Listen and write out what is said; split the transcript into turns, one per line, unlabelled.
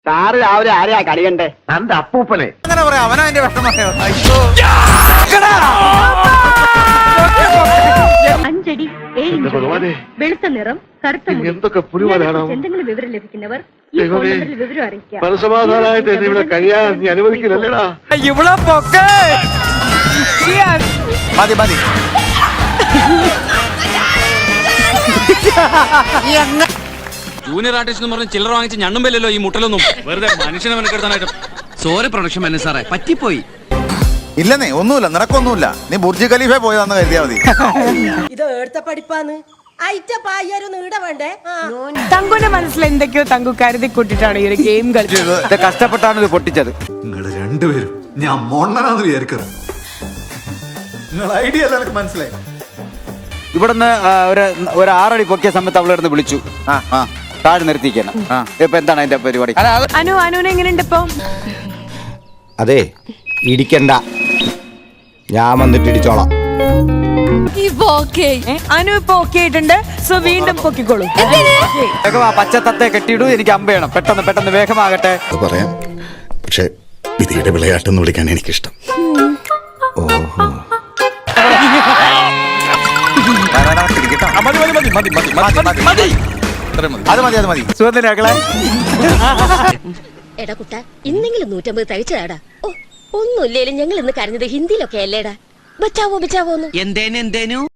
Sir രാവിലെ ആരെയാ കളിയണ്ടേ?
തന്റെ അപ്പൂപ്പനെ.
അങ്ങനെ പറയാം, അവനാ എന്റെ വിഷമം.
അഞ്ചടി 7 ഇഞ്ച് വെളുത്ത നിറം കറുത്ത മുടി.
എന്തൊക്കെ പുലിവാലാണോ?
എന്തെങ്കിലും വിവരം ലഭിക്കുന്നവർ ഈ ഫോൺ നമ്പറിൽ വിവരം അറിയിക്കാം.
മനസമാധാനമായിട്ട് എന്നെ ഇവിടെ കഴിയാൻ നീ അനുവദിക്കില്ലല്ലേടാ.
ഇവിടെ പൊക്കെ മതി മതി.
ജൂനിയർ ആർട്ടിസ്റ്റ് എന്ന് പറഞ്ഞ് ചില്ലറ വാങ്ങിച്ച് ഞണ്ണുമ്പല്ലോ ഈ മുട്ടലൊന്നും വെറുതെ മനുഷ്യനെ മെനക്കെടുത്താനായിട്ട്. സോറി പ്രൊഡക്ഷൻ മാനേജർ സാറേ, പറ്റിപ്പോയി.
ഇല്ലെന്നേ, ഒന്നുമില്ല, നിനക്കൊന്നുമില്ല. നീ ബുർജ് ഖലീഫ പോയതാന്ന് കരുതിയാ മതി.
ഇത് എടുത്ത പഠിപ്പാന്ന് അയറ്റ പായ്യാരും നീട വേണ്ടേ?
തങ്കുന്റെ മനസ്സിൽ എന്തൊക്കെയോ തങ്കു കരുതി കൂട്ടിട്ടാണ് ഈ ഒരു ഗെയിം കളിച്ചത്.
കഷ്ടപ്പെട്ടാണ് ഇത് പൊട്ടിച്ചത്.
നിങ്ങൾ രണ്ടുപേരും ഞാൻ മൊണ്ണനാന്ന് വിചാരിക്കുന്നത്. നിങ്ങൾ ഐഡിയ അല്ല, എനിക്ക് മനസ്സിലായി.
ഇവിടുന്ന് ഒരു 6 അടി പൊക്കിയ സമയത്ത് അവളിരുന്ന് വിളിച്ചു, താഴെ നിർത്തിക്കണം. ഇപ്പൊ എന്താണ് അതിന്റെ പരിപാടി?
അനുവിനെ എങ്ങനെയുണ്ട് ഇപ്പൊ?
അതെ, ഇടിക്കണ്ട, ഞാൻ വന്നിട്ട് ഇടിച്ചോളാം.
അനു ഇപ്പൊ ഓക്കെ ആയിട്ടുണ്ട്. സോ വീണ്ടും പൊക്കിക്കോളൂ.
പച്ച തത്തെ കെട്ടിയിടൂ, എനിക്ക് അമ്പയണം. പെട്ടെന്ന് പെട്ടെന്ന് വേഗമാകട്ടെ.
പറയാം, പക്ഷെ വിധിയുടെ വിളയാട്ടെന്ന് വിളിക്കാൻ എനിക്കിഷ്ടം.
എടാ കുട്ട, ഇന്നെങ്കിലും 150 തയ്ച്ചതാടാ. ഒന്നുമില്ലേലും ഞങ്ങൾ ഇന്ന് കരഞ്ഞത് ഹിന്ദിയിലൊക്കെ അല്ലേടാ. ബച്ചാവോ ബച്ചാവോന്ന്.
എന്തേനു